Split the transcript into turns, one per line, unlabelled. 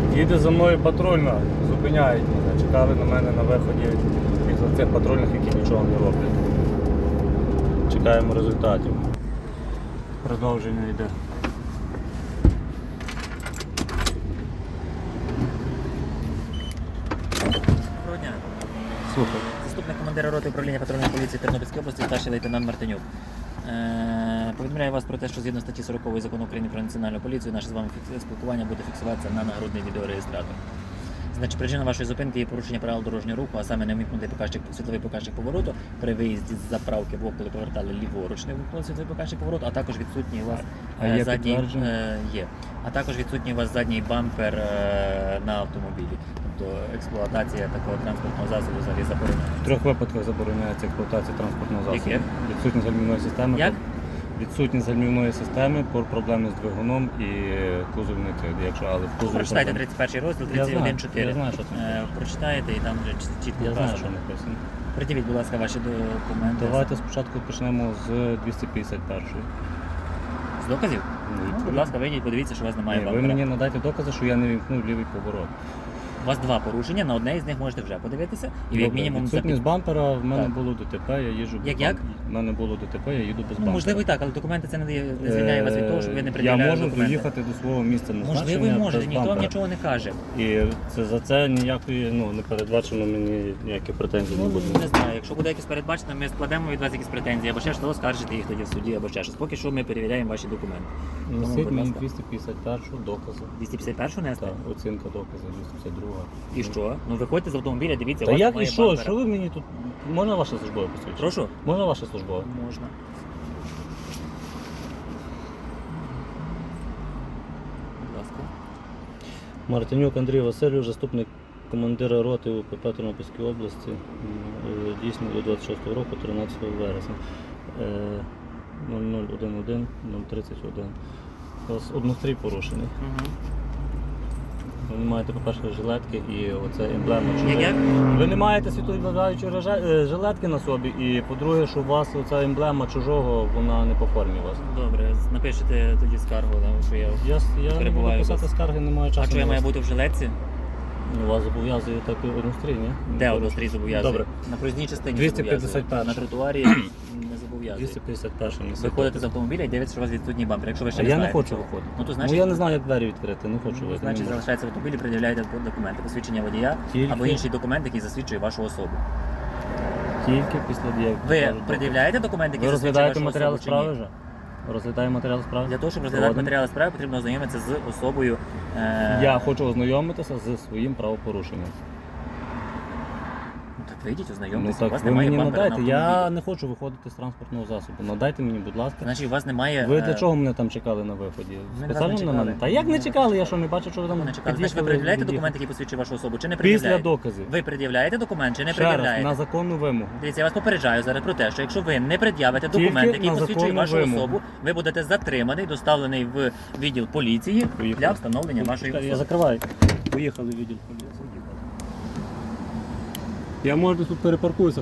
Їде за мною патрульна, зупиняють мене, чекали на мене на виході із цих патрульних, які нічого не роблять. Чекаємо результатів. Продовження йде.
Доброго дня.
Слухай.
Заступник командира роти управління патрульної поліції Тернопільської області, старший лейтенант Мартинюк. Повідомляю вас про те, що згідно статті 40 Закону України про національну поліцію, наше з вами спілкування буде фіксуватися на нагрудний відеореєстратор. Значить, причина вашої зупинки є порушення правил дорожнього руху, а саме не вмикнутий світловий показчик повороту при виїзді з заправки в коли повертали ліворуч, не вмикнутий світловий показчик повороту, а також відсутній у вас задній є. А також відсутній у вас задній бампер на автомобілі. Тобто експлуатація такого транспортного засобу взагалі заборонена.
В 3 випадках забороняється експлуатація транспортного засобу.
Яких?
Відсутність гальмівної системи.
Як?
Відсутність гальмівної системи, проблеми з двигуном і кузовний тиск. Якщо, але в кузові
Прочитайте
проблеми.
31 розділ,
Я знаю,
31.4.
я знаю, що там написано.
Прочитаєте і там вже чітко
Я знаю, що
вказано.
написано.
Придивіть, будь ласка, ваші документи.
Давайте спочатку почнемо з 251-ї.
З доказів? Будь ласка, вийдіть, подивіться, що у вас немає
Ні, ви
бампера.
мені надайте докази, що я не вімкнув лівий поворот.
У вас 2 порушення, на одне із них можете вже подивитися. І як мінімум
відсутність бампера, в мене
Так.
було ДТП, я їжджу без
Як?
бампера. В мене було ДТП, я їду без бампера.
Можливо і так, але документи це не звільняє вас від того, щоб ви не
Я
пред'являли
можу
документи.
доїхати до свого місця назначення
Можливо, і можете,
без
ніхто вам
бампера.
нічого не каже.
І це за це ніякої, не передбачено мені ніяких претензій не буде.
Не знаю, якщо буде якесь передбачено, ми складемо від вас якісь претензії, або ще що, оскаржите їх тоді в суді, або ще щось. Поки що ми перевіряємо ваші документи. Тому,
Несіть
будь
мені
ласка.
251-шу докази.
251 нести?
Так, оцінка доказів, 252.
І що? Ну виходьте з автомобіля, дивіться,
Та
у вас
як і
немає
що?
бампера.
Що ви мені тут... Можна ваше службове посвідчення?
Прошу?
Можна ваше службове?
Можна. Будь ласка.
Мартинюк Андрій Васильович, заступник командира роти УПП Тернопільської області, дійсно до 26 року, 13 вересня. 0011 031. У вас однострій порушений.
Угу.
Ви не маєте, по-перше, жилетки і оце емблема.
Як?
Ви не маєте світловідбиваючої жилетки на собі, і по-друге, що у вас оця емблема чужого, вона не по формі у вас.
Добре, напишете тоді скаргу, що я
Я не
перебуваю
буду
без-
писати скарги, немає часу.
А що я
на
маю
вас.
бути в жилетці?
Вас зобов'язує так однострій, ні?
Де однострій зобов'язує?
Добре.
На проїзній частині
251.
зобов'язує. На тротуарі не зобов'язує.
251
Ви ходите з автомобіля і дивитеся, що у вас відсутній бампер. Якщо ви ще
А
не
я не
знаєте
хочу
цього.
виходити.
Ну, то значить,
я не знаю, як двері відкрити, не хочу виходити.
значить залишається в автомобілі, пред'являєте документи, посвідчення водія
Тільки-
або інший документ, який засвідчує вашу особу.
Тільки після дії.
Ви пред'являєте документи, які
Ви
засвідчують
розглядаєте
вашу
матеріали
особу чи ні?
справи вже? Розглядаємо матеріали справи?
Для того, щоб розглядати
Згоден.
матеріали справи, потрібно ознайомитися з особою.
Я хочу ознайомитися зі своїм правопорушенням.
Ну, так вийдіть,
Ну
ознайомтеся. У
так
вас
ви
немає
мені
бампера на
надайте,
автомобілі.
я не хочу виходити з транспортного засобу. Надайте мені, будь ласка.
Значить, у вас немає...
Ви для чого мене там чекали на виході?
Ми
Спеціально
вас не
на мене?
чекали.
Та як не чекали? Я що, не бачив, що ви там
Не чекали. Значить, ви
під'їхали,
пред'являєте
від'їхали?
документ, який посвідчує вашу особу, чи не
Після
пред'являєте?
доказів.
Ви пред'являєте документ чи не
Ще раз,
пред'являєте?
на законну вимогу.
Дивіться, я вас попереджаю зараз про те, що якщо ви не пред'явите
Тільки
документ, який
на
посвідчує
законну
вашу
вимогу.
особу, ви будете затриманий, доставлений в відділ поліції
Поїхали.
для встановлення вашої
Я
особи.
закриваю. Поїхали в відділ поліції. Я можу тут перепаркуюся.